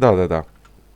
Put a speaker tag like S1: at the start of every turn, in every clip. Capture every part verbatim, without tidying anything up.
S1: Да, да, да.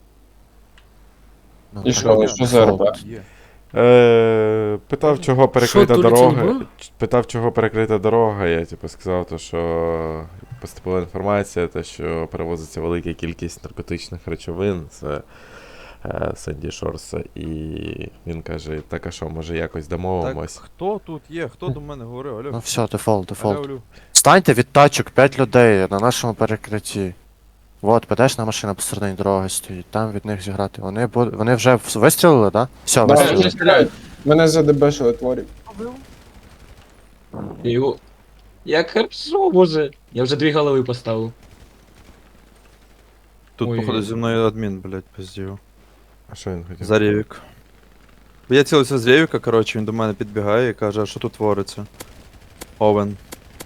S2: Ну,
S3: І
S2: так,
S3: що,
S2: ні,
S3: що за РП?
S2: дефолт.
S1: Е, питав, чого
S4: Що,
S1: перекрита
S4: туліться не
S1: дорога.
S4: було?
S1: ч- Питав, чого перекрита дорога. Я типу сказав, то, що поступила інформація, те, що перевозиться велика кількість наркотичних речовин з е, Сенді Шорса. І він каже, так а що, може якось
S5: Так,
S1: домовимось.
S5: хто тут є? Хто до мене говорив? Алло,
S2: Ну все, дефолт,
S5: алло,
S2: дефолт.
S5: алло.
S2: Станьте від тачок п'ять людей на нашому перекритті. Вот, ПДшна машина посередині дороги стоїть, там від них зіграти. Вони буд... вони вже в- вистрілили, да? Все,
S3: Да,
S2: вистрілили.
S3: вони стріляють. Мене задебешили творі.
S6: Його... Як хорошо, боже. Я вже дві голови поставив.
S5: Тут,
S6: Ой.
S5: походу, зі мною адмін, блядь, пиздів.
S1: А що він хотів?
S5: За Ревік. Бо я цілився з Ревіка, коротше, він до мене підбігає і каже, а що тут твориться? Овен.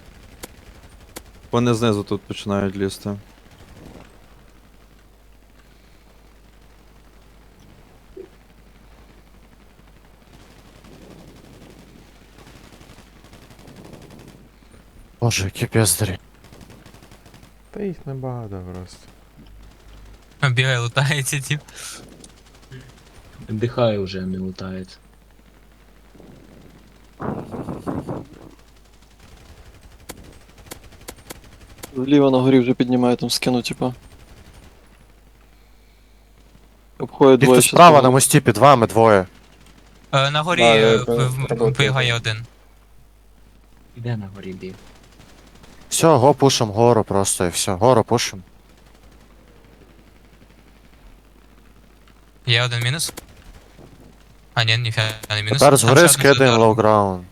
S5: Вони знизу тут починають лізти.
S2: Боже, які піздарі.
S1: Та їх небагато просто.
S7: Бігає, лутається, тип.
S6: Дихає вже, не лутається.
S8: Вліво на горі вже піднімає там скину, типа. Обходять
S2: Їх
S8: двоє
S2: тут
S8: ще
S2: справа
S8: знову.
S2: на мості під вами двоє.
S7: Е, на горі
S3: Да, я
S7: е,
S3: пе-
S7: в- в-
S3: треба
S7: бігає один.
S6: Іде на горі біг.
S2: Все, го пушим гору просто і все. Гору пушим.
S7: Є один мінус. А, ні, ніфіга не мінус.
S2: Тепер
S7: Там
S2: згори
S7: ще один
S2: скидаємо
S7: удар.
S2: лоу-граунд.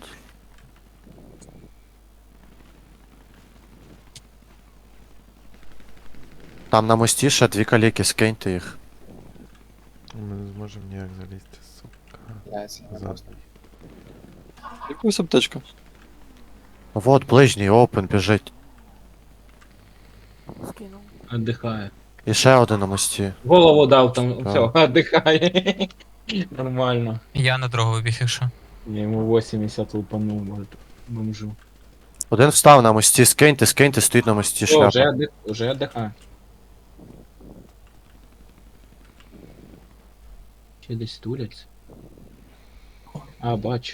S2: Там на мості ще дві каліки, скиньте їх.
S1: Ми не зможемо ніяк залізти, сука. Зад.
S8: Якусь аптечка.
S2: Вот, ближній, опен, біжить.
S6: Отдихає.
S2: І ще один на мості.
S6: Голову дав там,
S2: Да.
S6: все, отдихає. Нормально.
S7: Я на дорогу вибіг, якщо.
S6: Я йому вісімдесят лупанув, може, бомжу.
S2: Один встав на мості, скиньте, скиньте, стоїть на мості
S6: О, вже,
S2: шляпа.
S6: отдих... вже отдихає. Ще десь туляться. А, бачу.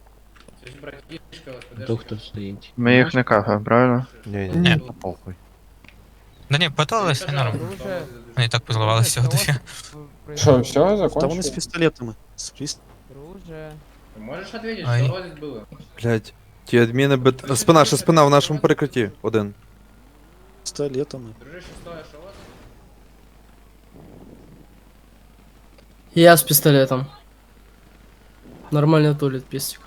S6: Доктор стоїть.
S9: Ми їх не кафе, правильно?
S1: Ні, ні.
S7: Ні.
S2: Та похуй.
S7: Да ні, потолилися, норм. Вони і так позливалися всього дофіга.
S3: Що, все,
S8: Та вони з
S3: закончили?
S8: пістолетами. З піс-
S10: Можешь ответить,
S7: Ай.
S10: что здесь было?
S5: Блядь. Ті адміни бит... Спина, ще спина в нашому перекритті. Один.
S8: пістолетами.
S10: Дружище, что, что вот?
S4: Я с пистолетом. Нормально тулит пистик.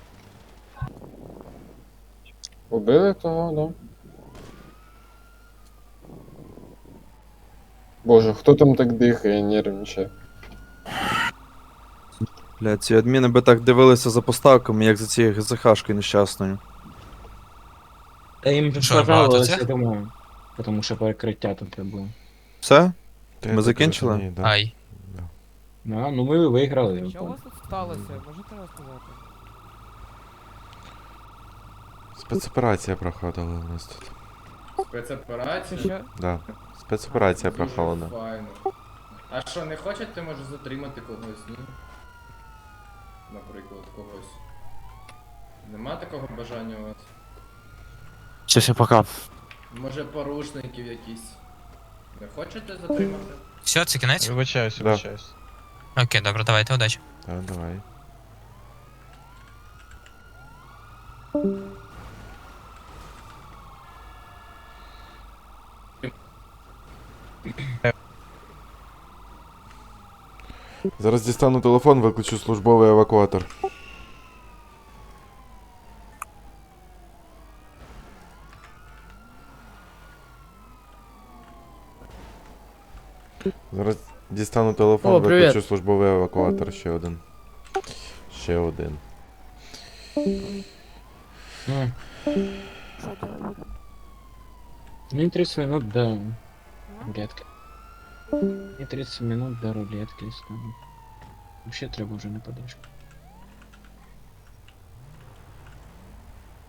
S3: Убили того, да? Боже, хто там так дихає, нервничає?
S5: Блядь, ці адміни би так дивилися за поставками, як за цією ГЗХшкою нещасною.
S6: Та їм
S7: Що, багато
S6: понравилось,
S7: цих?
S6: я думаю. Тому що перекриття тут було.
S5: Все?
S1: Та
S5: Ми
S1: я так
S5: закінчили?
S1: розумію, да.
S7: Ай.
S6: Да, ну ми виграли. я
S11: Що у
S6: пам'ятаю.
S11: вас тут сталося? Можете розказати?
S1: Спецоперація проходила у нас тут.
S10: Спецоперація?
S11: Що?
S1: Да. Спецоперація
S10: Дуже
S1: проходила.
S10: файно. А що, не хочете, може, затримати когось, ні? Наприклад, когось. Нема такого бажання у вас?
S2: Все, всім пока.
S10: Може, порушників якісь? Не хочете затримати?
S7: Все, це кінець?
S9: Вибачаюсь,
S1: Да.
S9: вибачаюсь.
S7: Окей, добре, давайте, удачі.
S1: Так, давай. Зараз дістану телефон, виключу службовий евакуатор. Зараз дістану телефон,
S4: О, привіт.
S1: виключу службовий евакуатор. Ще один. Ще один.
S6: М. Мне тридцать минут до рулетки. Мне тридцать минут до рулетки. стану. Вообще треба вже не подушка.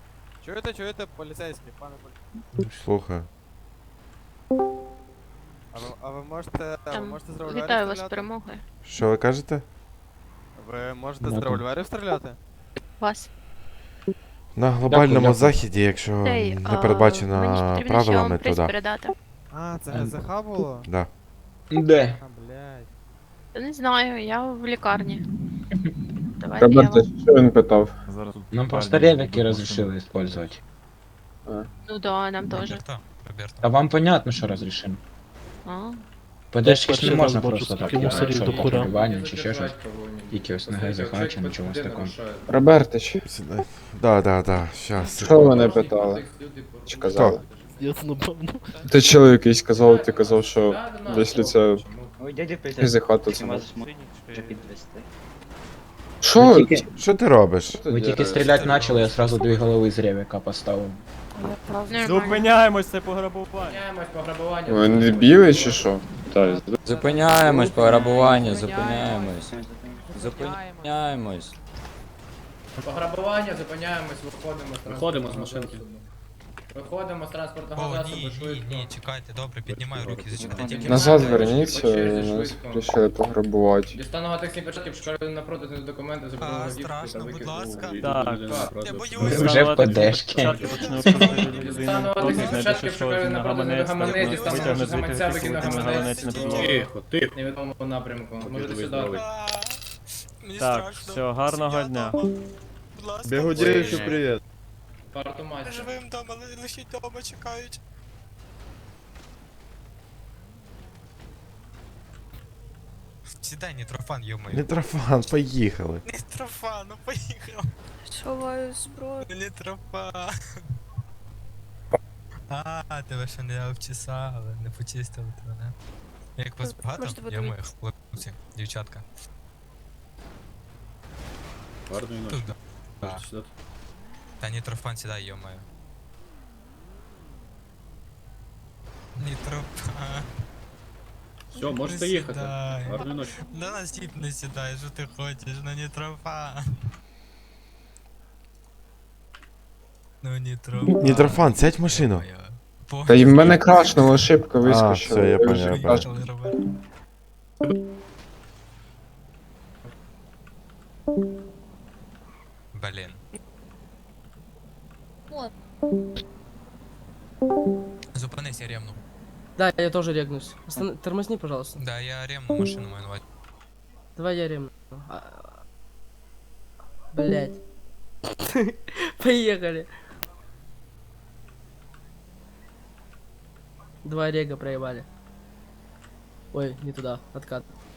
S11: Чуєте, чуєте, поліцейський, пане поліцейський?
S1: Слухай.
S11: А ви, а ви можете, а ви
S9: Там,
S11: можете з револьверів
S9: Вітаю вас з
S11: стріляти?
S9: перемогою.
S1: Що ви кажете?
S11: Ви можете з
S6: Дякую.
S11: револьверів стріляти?
S9: Вас.
S1: На глобальному
S6: дякую.
S1: заході, якщо
S9: Цей,
S1: не
S9: а,
S1: передбачено
S9: мені ж потрібно ще
S1: правилами,
S9: вам
S1: то
S9: приз
S1: да.
S9: передати.
S11: А, це не ЗХ було?
S1: Да.
S6: Де?
S11: А, блядь.
S9: Та не знаю, я в лікарні. Давайте я
S3: Роберт,
S9: вам...
S3: що він питав?
S6: Нам просто ревики разрешили использовать.
S9: Ну да, нам теж.
S7: Роберто, Роберто.
S6: А вам понятно, що разрешили?
S9: А,
S6: Подачки ж не можна просто так делать, що пограбування чи ще щось. Тільки ось на ГЗХ чи нічого з такого.
S3: Робертич,
S1: Сідай. Да, да, да, щас.
S3: що вони питали? Чи казали? Ти чоловік якийсь казав, ти казав, що якщо це ГЗХ, то це може. Що?
S1: Що ти робиш?
S6: Ви тільки стріляти почали, я сразу дві голови з ревика поставив.
S9: нормально.
S11: Зупиняємось, це пограбування.
S10: Зупиняємось пограбування.
S3: Ви не білий чи що? Так.
S12: Зупиняємось, пограбування, зупиняємось. Зупиняємось.
S10: Пограбування, зупиняємось, виходимо з
S4: Виходимо з
S10: транспортного
S4: машинки.
S10: засобу. Виходимо з транспортного
S7: О,
S10: засобу
S7: ні, ні,
S10: швидко.
S7: ні, чекайте, добре, піднімай руки, зачекайте тільки.
S3: Назад
S10: По
S3: верніться,
S10: черзі,
S3: нас
S10: швидко.
S3: вирішили пограбувати.
S10: Дістану гатексні початки, шукаю напроти документи, заберу
S7: А,
S10: водійську
S7: страшно,
S10: та
S7: будь
S10: викину
S7: ласка.
S10: у-
S11: Так.
S7: Я
S6: Ви
S7: боюсь.
S6: вже в ПДшки.
S10: Дістану гатексні початки, шукаю напроти гаманець, дістану гаманця, викину гаманець.
S4: Тихо, тихо.
S10: В невідомому напрямку. Можете сюди.
S7: А, Мені
S11: Так,
S7: страшно.
S11: все, гарного
S7: Я
S11: дня.
S7: дома. Будь ласка.
S3: Бігудєвичу, привіт.
S10: Парту мастер.
S7: Живим дома, ли- лишіть дома, чекають. Сідай, Нітрофан, йомаю.
S1: Мітрофан, поїхали.
S7: Нітрофан, ну поїхав.
S9: Сховаю зброю.
S7: Нітрофан. А, тебе ще не обчесали, не почистили тебе, не? Як вас багато?
S9: Можете
S7: Я
S9: подивитися.
S7: моїх хлопці, дівчатка. Тут, да. Та Нітрофан сідай, йомаю. Нітрофан.
S4: Все, можете
S7: Не
S4: їхати.
S7: сідай.
S4: Гарної ночі.
S7: Да на стіп не сідай, що ти хочеш, ну Нітрофан. Ну Нітрофан.
S1: Нітрофан, сядь в машину.
S3: Та й в мене крашнула ошибка вискочила.
S1: все, я
S3: вже
S1: поняв, я
S3: краш-
S1: поняв.
S7: Блін. Зупинись, я ремну.
S4: Да, я тоже регнусь. Остан- Тормозни, пожалуйста.
S7: Да, я ремну машину мою наводь.
S4: Давай я ремну. Блять. Поехали. Два рега проебали. Ой, не туда, откат.